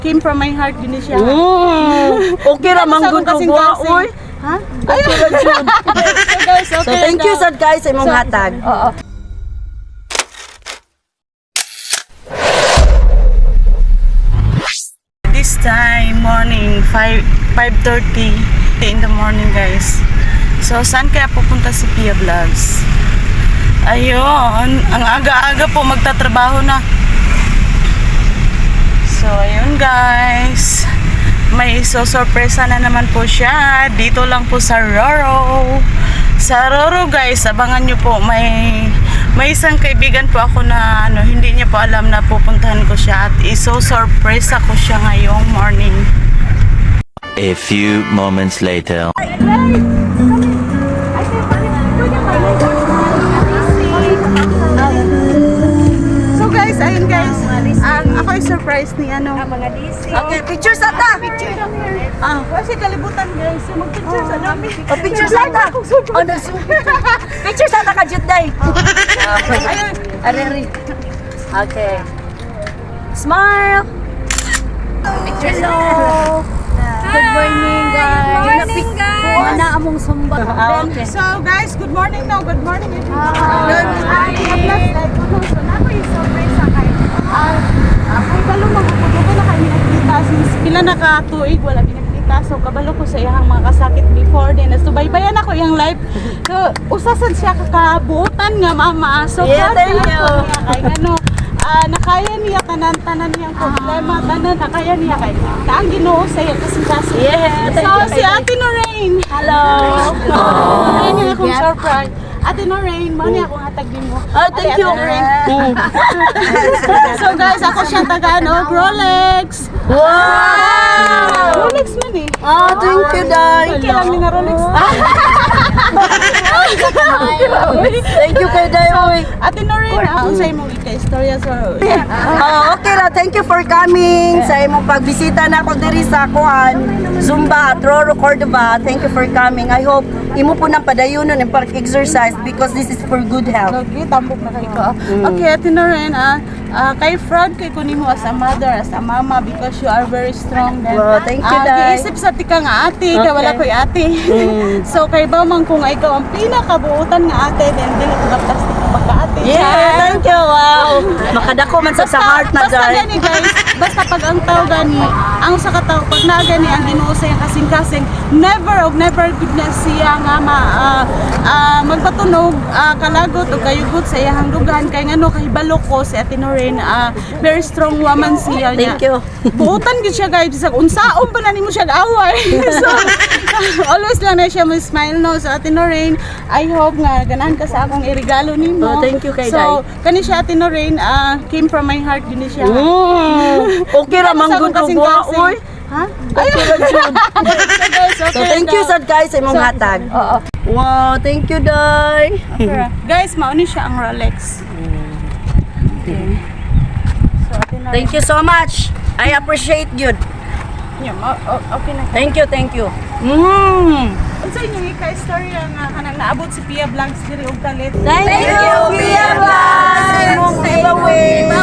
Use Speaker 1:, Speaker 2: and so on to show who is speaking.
Speaker 1: Came from my heart din siya.
Speaker 2: Okay ra manggod ko buha oy.
Speaker 1: Ha?
Speaker 2: Okay ra jud.
Speaker 1: So guys, okay.
Speaker 2: So thank you sad guys sa imong hatag.
Speaker 1: Oo. This time morning 5:30 in the morning guys. So saan kaya pupunta si Pia Vlogs? Ayun, ang aga-aga po magtatrabaho na. So ayun guys, may sorpresa na naman po siya dito lang po sa Roro. Sa Roro guys, abangan nyo po, may isang kaibigan po ako na hindi niya po alam na pupuntahan ko siya at iso-sorpresa ko siya ngayong morning.
Speaker 3: A few moments later.
Speaker 1: So guys, ayun guys, ako ay surprise ni
Speaker 2: mga DC. Okay, picture sa ta.
Speaker 1: Kasi kalibutan guys, mag-picture sa namin.
Speaker 2: Picture sa ta. Picture sa ta ka jud day.
Speaker 1: Ayun.
Speaker 2: Ari. Okay. Smile. Hello. Good morning, guys.
Speaker 4: Good morning, guys.
Speaker 2: Mana among sumba. Okay.
Speaker 1: So guys, good morning now. Good morning everyone.
Speaker 2: Good morning.
Speaker 1: So nako yung surprise sa kayo. Ako balo magpupuno ko na kami nagkita since pila na ka tuig wala pinagkita. So kabalo ko sa iyang mga kasakit before din. Subaybayan ako iyang life. So usasan siya kakabuotan nga mama. So
Speaker 2: Yeah, thank
Speaker 1: proud
Speaker 2: you.
Speaker 1: ako niya kay nakaya niya tanan niyang problema, tanan nakaya niya kay kaang Ginoo sa iya kasi.
Speaker 2: Yeah, thank
Speaker 1: So
Speaker 2: you,
Speaker 1: si Ate Noreen.
Speaker 2: Hello.
Speaker 1: Ayun yung akong surprise. Ate Noreen, mo niya akong hatag din mo.
Speaker 2: Thank you.
Speaker 1: So guys, ako siya taga Rolex.
Speaker 2: Wow.
Speaker 1: Rolex man eh.
Speaker 2: Thank you, Day.
Speaker 1: Kailan ni na Rolex.
Speaker 2: Thank you kay Day.
Speaker 1: Ate Noreen, unsay mong ika-istorya sa
Speaker 2: Okay ra, thank you for coming sa imong pagbisita na ako diri sa kuan Zumba at Roro Cordova. Thank you for coming. I hope imo po nang padayonon ang pag-exercise because this is for good health.
Speaker 1: Lagi, tambok na kayo ko. Okay, Ate Noreen, kay Frog kay kunin mo as a mother, as a mama because you are very strong then.
Speaker 2: Wow, thank you, Day.
Speaker 1: Giisip sa tika nga ate, kay wala ko'y ate. So kay ba man kung ikaw ang pinakabuutan nga ate, then dili ko plastic pagka-ate.
Speaker 2: Yeah, thank you. Wow. Makadako man sa heart na,
Speaker 1: basta
Speaker 2: Day.
Speaker 1: gani guys, basta pag ang tao gani, ang sa katao, pag na gani ang Ginoo sa iyang kasing-kasing, never goodness siya nga magpatunog, kalagot o kayugot sa iyang dugan, kay ngano kahibalo ko si Ate Noreen, very strong woman siya niya.
Speaker 2: Thank you.
Speaker 1: Buutan gid siya guys, bisag unsaon pa na nimo siya away. So always lang na siya mo smile no. So Ate Noreen, I hope nga ganahan ka sa akong irigalo nimo.
Speaker 2: Thank you kay
Speaker 1: So kani siya Ate Noreen, came from my heart din siya.
Speaker 2: Okay ra manggod ko buha oy.
Speaker 1: Ha?
Speaker 2: Okay ra jud.
Speaker 1: So guys, okay.
Speaker 2: So thank you sad guys sa imong hatag.
Speaker 1: Oo.
Speaker 2: Wow, thank you, Day.
Speaker 1: Okay. Guys, mauni siya ang Rolex. Okay. So Ate Noreen.
Speaker 2: Thank you so much. I appreciate you.
Speaker 1: Yeah, okay na.
Speaker 2: Thank you.
Speaker 1: Unsa inyong ika-istorya nga kanang naabot si Pia Vlogs diri og kalit?
Speaker 2: Thank you, Pia Vlogs. Imong giveaway.